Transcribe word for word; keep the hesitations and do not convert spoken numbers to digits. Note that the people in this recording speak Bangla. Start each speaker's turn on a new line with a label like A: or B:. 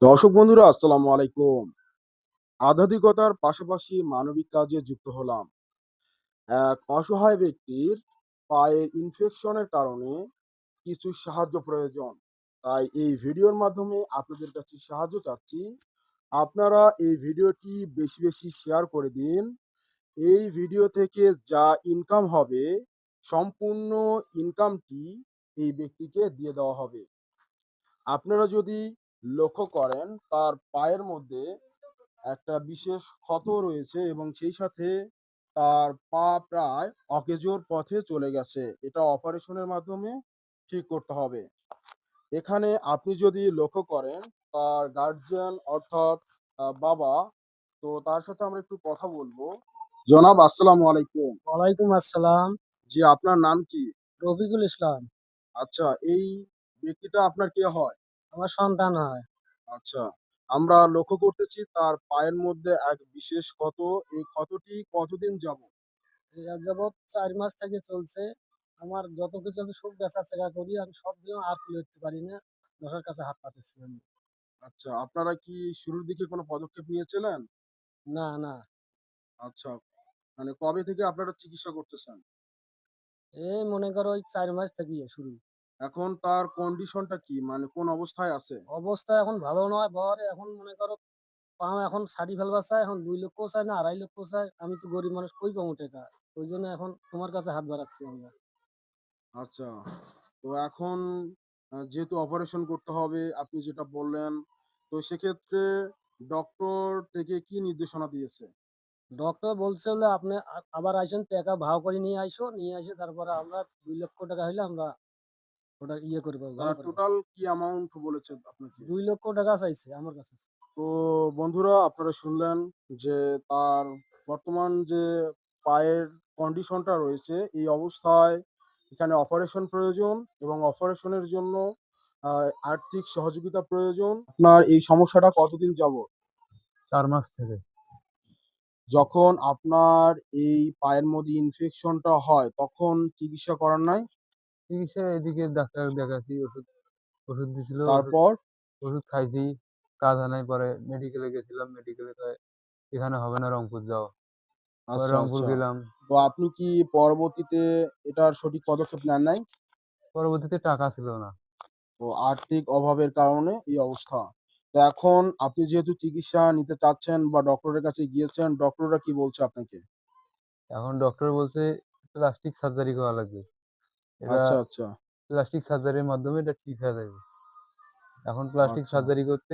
A: দর্শক বন্ধুরা আসসালামু আলাইকুম। আধ্যাত্মিকতার পাশাপাশি মানবিক কাজে যুক্ত হলাম। এক অসহায় ব্যক্তির পায়ে ইনফেকশনের কারণে কিছু সাহায্য প্রয়োজন। তাই এই ভিডিওর মাধ্যমে আপনাদের কাছে সাহায্য চাচ্ছি। আপনারা এই ভিডিওটি বেশি, বেশি শেয়ার করে দিন। এই ভিডিও থেকে যা ইনকাম হবে, সম্পূর্ণ ইনকামটি এই ব্যক্তিকে দিয়ে দেওয়া হবে। আপনারা যদি লক্ষ্য করেন তার পায়ের মধ্যে একটা বিশেষ ক্ষত রয়েছে এবং সেই সাথে তার পা প্রায় অকেজোর পথে চলে গেছে। এটা অপারেশনের মাধ্যমে ঠিক করতে হবে। এখানে আপনি যদি লক্ষ্য করেন তার গার্জিয়ান অর্থাৎ আ বাবা, তো তার সাথে আমরা একটু কথা বলবো। জনাব আসসালামু আলাইকুম।
B: ওয়ালাইকুম আসসালাম।
A: জি, আপনার নাম কি?
B: রফিকুল ইসলাম।
A: আচ্ছা, এই ব্যক্তিটা আপনার কে হয়?
B: আমার সন্তান হয়।
A: আচ্ছা। আমরা লক্ষ্য করতেছি তার পায়ের মধ্যে এক বিশেষ ক্ষত। এই ক্ষতটি কতদিন যাবৎ?
B: এই আজ যাবৎ চার মাস থেকে চলছে। আমার যত কিছু আছে সব বেচা-চেরা করি। আমি সব দিয়েও আর তুলে উঠতে পারি না। দশের কাছে হাত পাতেছি আমি।
A: আচ্ছা, আপনারা কি শুরুর দিকে কোনো পদক্ষেপ নিয়েছিলেন?
B: না, না।
A: আচ্ছা, মানে কবে থেকে আপনারা চিকিৎসা করতেছেন?
B: এই মনে করো ওই চার মাস থেকেই শুরু।
A: এখন তার কন্ডিশনটা কি? মানে কোন অবস্থায় আছে?
B: অবস্থা এখন ভালো নয় বর এখন মনে করো পা এখন ছাড়ি ফেলবার চায়। এখন দুই লক্ষ চায় না আড়াই লক্ষ চায়। আমি তো গরিব মানুষ কই পামু টাকা? ওইজন্য এখন তোমার কাছে হাত বাড়াচ্ছি আমরা।
A: আচ্ছা, তো এখন আ যেহেতু অপারেশন করতে হবে আপনি যেটা বললেন, তো সেক্ষেত্রে ডক্টর থেকে কি নির্দেশনা দিয়েছে?
B: ডক্টর বলছে হলো আপনি আ আবার আইসেন টাকা ভাও করে নিয়ে আইসো। নিয়ে আইসে তারপরে আমরা দুই লক্ষ টাকা হইলে আমরা ওটা ইয়ে করে পাবো,
A: তারা
B: ভালো করে পাবো।
A: টোটাল কি অ্যামাউন্ট বলেছে আপনাকে?
B: দুই লক্ষ টাকা চাইছে আমার কাছে।
A: তো বন্ধুরা আপনারা শুনলেন যে তার বর্তমান যে পায়ের কন্ডিশনটা রয়েছে এই অবস্থায় এখানে অপারেশন প্রয়োজন এবং অপারেশনের জন্য আহ, আর্থিক সহযোগিতা প্রয়োজন। আপনার এই সমস্যাটা কতদিন যাবত?
C: চার মাস থেকে।
A: যখন আপনার এই পায়ের মধ্যে ইনফেকশনটা হয় তখন চিকিৎসা করার নাই?
C: চিকিৎসা এদিকে ডাক্তার দেখাচ্ছি, ওষুধ ওষুধ দিছিল, ওষুধ
A: তারপর?
C: ওষুধ খাইছি, কাজ হয় নাই। পরে মেডিকেলে গেছিলাম, মেডিকেলে কয় এখানে হবে না, রংপুর যাও। পরে
A: আচ্ছা
C: রংপুর
A: আচ্ছা,
C: গেলাম।
A: তো আপনি কি পরবর্তীতে এটার সঠিক পদক্ষেপ নেন নাই?
C: পরবর্তীতে টাকা ছিল না।
A: তো আর্থিক অভাবের কারণে এই অবস্থা। তো এখন আপনি যেহেতু চিকিৎসা নিতে চাচ্ছেন বা ডক্টরের কাছে গিয়েছেন, ডক্টররা কি বলছে আপনাকে?
C: এখন ডক্টর বলছে প্লাস্টিক সার্জারি করা লাগবে। এটা
A: আচ্ছা, আচ্ছা,
C: প্লাস্টিক সার্জারির মাধ্যমে এটা ঠিক হয়ে যাবে। এখন প্লাস্টিক
A: আচ্ছা।
C: সার্জারি করতে